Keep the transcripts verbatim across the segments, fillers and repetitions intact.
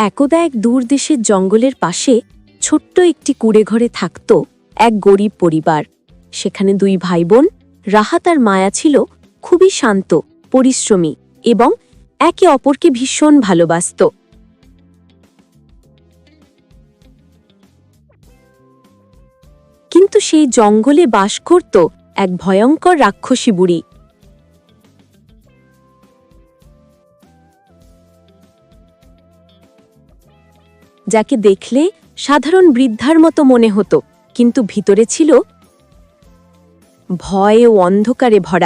একদা এক দূর দেশের জঙ্গলের পাশে ছোট্ট একটি কুঁড়েঘরে থাকত এক গরিব পরিবার। সেখানে দুই ভাই বোন রাহাত আর মায়া ছিল খুবই শান্ত, পরিশ্রমী এবং একে অপরকে ভীষণ ভালোবাসত। কিন্তু সেই জঙ্গলে বাস করত এক ভয়ঙ্কর রাক্ষসী বুড়ি। যাকে দেখলে সাধারণ বৃদ্ধার মতো মনে হতো, কিন্তু ভিতরে ছিল ভয় ও অন্ধকারে ভরা।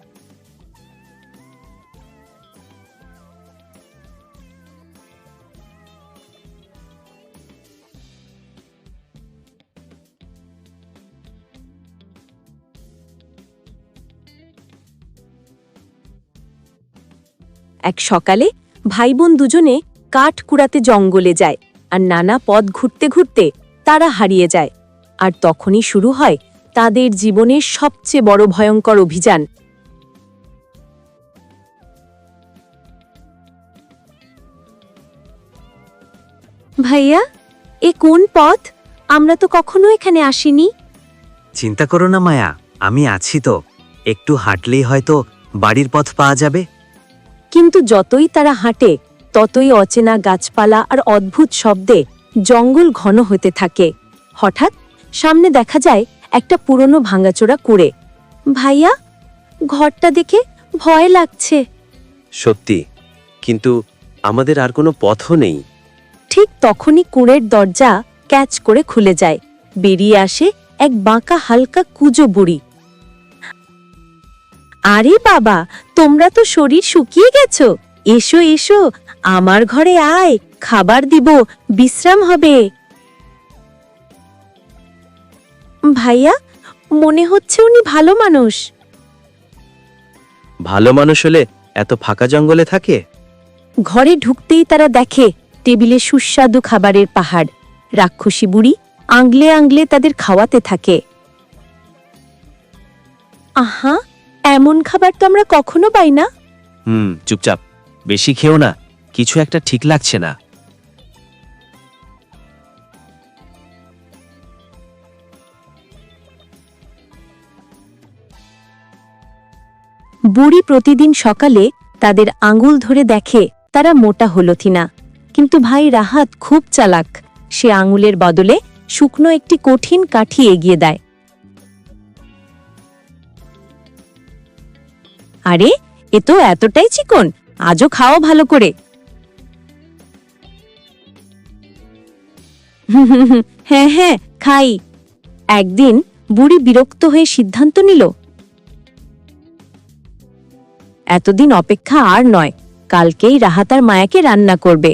এক সকালে ভাই বোন দুজনে কাঠ কুড়াতে জঙ্গলে যায়, আর নানা পথ ঘুরতে ঘুরতে তারা হারিয়ে যায়। আর তখনই শুরু হয় তাদের জীবনের সবচেয়ে বড় ভয়ঙ্কর অভিযান। ভাইয়া, এ কোন পথ? আমরা তো কখনো এখানে আসিনি। চিন্তা করো না মায়া, আমি আছি তো। একটু হাঁটলেই হয়তো বাড়ির পথ পাওয়া যাবে। কিন্তু যতই তারা হাঁটে ততই অচেনা গাছপালা আর অদ্ভুত শব্দে জঙ্গল ঘন হতে থাকে। হঠাৎ সামনে দেখা যায় একটা পুরনো ভাঙাচোরা কুঁড়ে। ভাইয়া, ঘরটা দেখে ভয় লাগছে। সত্যি, কিন্তু আমাদের আর কোনো পথও নেই। ঠিক তখনই কুঁড়ের দরজা ক্যাচ করে খুলে যায়। বেরিয়ে আসে এক বাঁকা হালকা কুঁজো বুড়ি। আরে বাবা, তোমরা তো শরীর শুকিয়ে গেছো, এসো এসো, আমার ঘরে আয়, খাবার দিব, বিশ্রাম হবে। ভাইয়া, মনে হচ্ছে উনি ভালো মানুষ। ভালো মানুষ হলে এত ফাঁকা জঙ্গলে থাকে? ঘরে ঢুকতেই তারা দেখে টেবিলে সুস্বাদু খাবারের পাহাড়। রাক্ষসী বুড়ি আংলে আংলে তাদের খাওয়াতে থাকে। আহা, এমন খাবার তো আমরা কখনো পাই না। হুম, চুপচাপ, বেশি খেও না, কিছু একটা ঠিক লাগছে না। বুড়ি প্রতিদিন সকালে তাদের আঙুল ধরে দেখে তারা মোটা হলো কিনা। কিন্তু ভাই রাহাত খুব চালাক, সে আঙুলের বদলে শুকনো একটি কঠিন কাঠি এগিয়ে দেয়। আরে, এ তো এতটাই চিকন, আজও খাও ভালো করে। হ্যাঁ হ্যাঁ, খাই। একদিন বুড়ি বিরক্ত হয়ে সিদ্ধান্ত নিল, এতদিন অপেক্ষা আর নয়, কালকেই রাহাত আর মায়াকে রান্না করবে।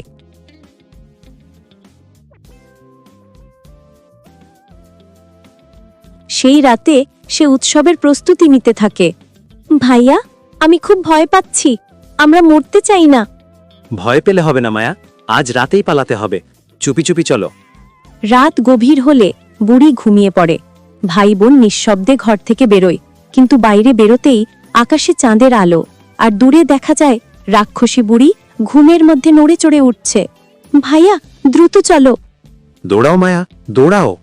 সেই রাতে সে উৎসবের প্রস্তুতি নিতে থাকে। ভাইয়া, আমি খুব ভয় পাচ্ছি, আমরা মরতে চাই না। ভয় পেলে হবে না মায়া, আজ রাতেই পালাতে হবে। চুপি চুপি চলো। রাত গভীর হলে বুড়ি ঘুমিয়ে পড়ে। ভাই বোন নিঃশব্দে ঘর থেকে বেরোয়, কিন্তু বাইরে বেরোতেই আকাশে চাঁদের আলো, আর দূরে দেখা যায় রাক্ষসী বুড়ি ঘুমের মধ্যে নড়ে চড়ে উঠছে। ভাইয়া, দ্রুত চলো। দৌড়াও মায়া, দৌড়াও।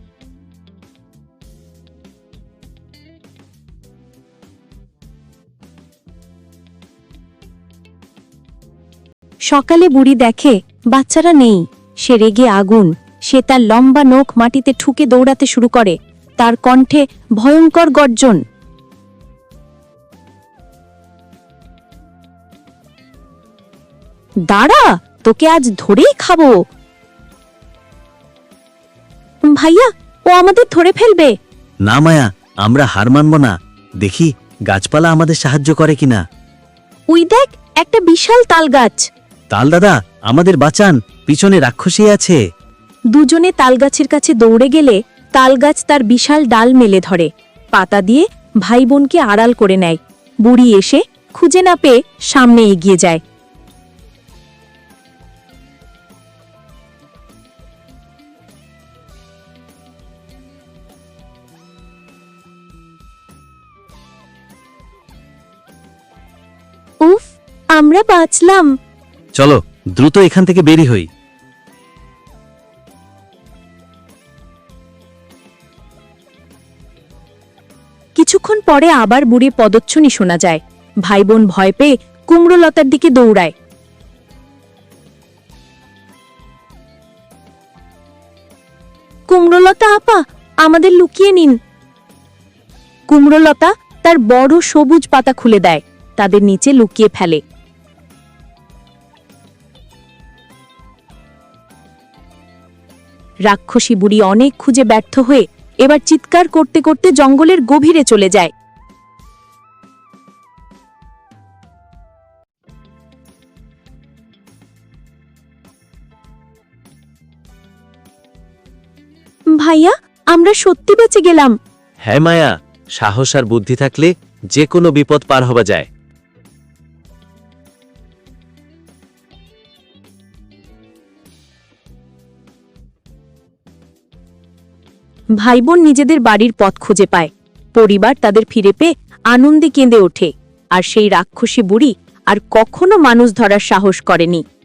সকালে বুড়ি দেখে বাচ্চারা নেই। সে রেগে আগুন। সে তার লম্বা নখ মাটিতে ঠুকে দৌড়াতে শুরু করে, তার কণ্ঠে ভয়ঙ্কর গর্জন। দাঁড়া, তোকে আজ ধরেই খাবো। ভাইয়া, ও আমাদের ধরে ফেলবে। না মায়া, আমরা হার মানব না। দেখি গাছপালা আমাদের সাহায্য করে কিনা। ওই দেখ, একটা বিশাল তাল গাছ। তাল দাদা, আমাদের বাঁচান, পিছনে রাক্ষসী আছে। দুজনে তালগাছের কাছে দৌড়ে গেলে তালগাছ তার বিশাল ডাল মেলে ধরে, পাতা দিয়ে ভাই বোনকে আড়াল করে নেয়। বুড়ি এসে খুঁজে না পেয়ে সামনে এগিয়ে যায়। উফ, আমরা বাঁচলাম। চলো দ্রুত এখান থেকে বেরি হই। পরে আবার বুড়ি পদচ্ছনি শোনা যায়। ভাই বোন ভয় পেয়ে কুমড়োলতার দিকে দৌড়ায়। কুমড়োলতা আপা, আমাদের লুকিয়ে নিন। কুমড়োলতা তার বড় সবুজ পাতা খুলে দেয়, তাদের নিচে লুকিয়ে ফেলে। রাক্ষসী বুড়ি অনেক খুঁজে ব্যর্থ হয়ে এবার চিৎকার করতে করতে জঙ্গলের গভীরে চলে যায়। ভাইয়া, আমরা সত্যি বেঁচে গেলাম। হ্যাঁ মায়া, সাহস আর বুদ্ধি থাকলে যে কোনো বিপদ পার হওয়া যায়। ভাই বোন নিজেদের বাড়ির পথ খুঁজে পায়। পরিবার তাদের ফিরে পেয়ে আনন্দে কেঁদে ওঠে। আর সেই রাক্ষসী বুড়ি আর কখনো মানুষ ধরার সাহস করেনি।